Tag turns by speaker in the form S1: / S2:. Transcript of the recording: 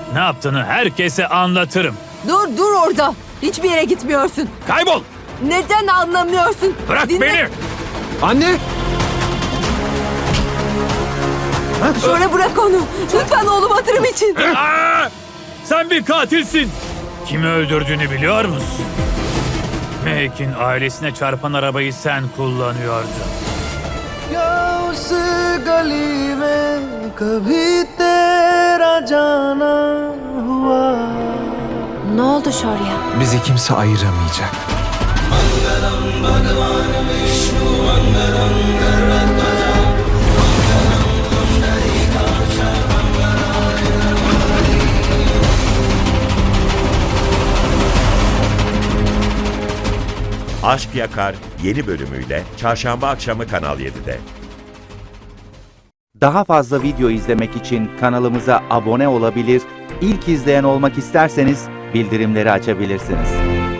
S1: Ne yaptığını herkese anlatırım.
S2: Dur orada. Hiçbir yere gitmiyorsun.
S1: Kaybol!
S2: Neden anlamıyorsun?
S1: Bırak
S2: Dinle.
S1: beni!
S3: Anne!
S2: Şöyle bırak onu. Lütfen oğlum hatırım için.
S1: Aa! Sen bir katilsin. Kimi öldürdüğünü biliyor musun? Mehek'in ailesine çarpan arabayı sen kullanıyordun.
S4: उस गली में कभी तेरा जाना हुआ.
S2: Ne oldu Şorya?
S3: Bizi kimse ayıramayacak.
S5: Aşk Yakar yeni bölümüyle çarşamba akşamı Kanal 7'de.
S6: Daha fazla video izlemek için kanalımıza abone olabilir, ilk izleyen olmak isterseniz bildirimleri açabilirsiniz.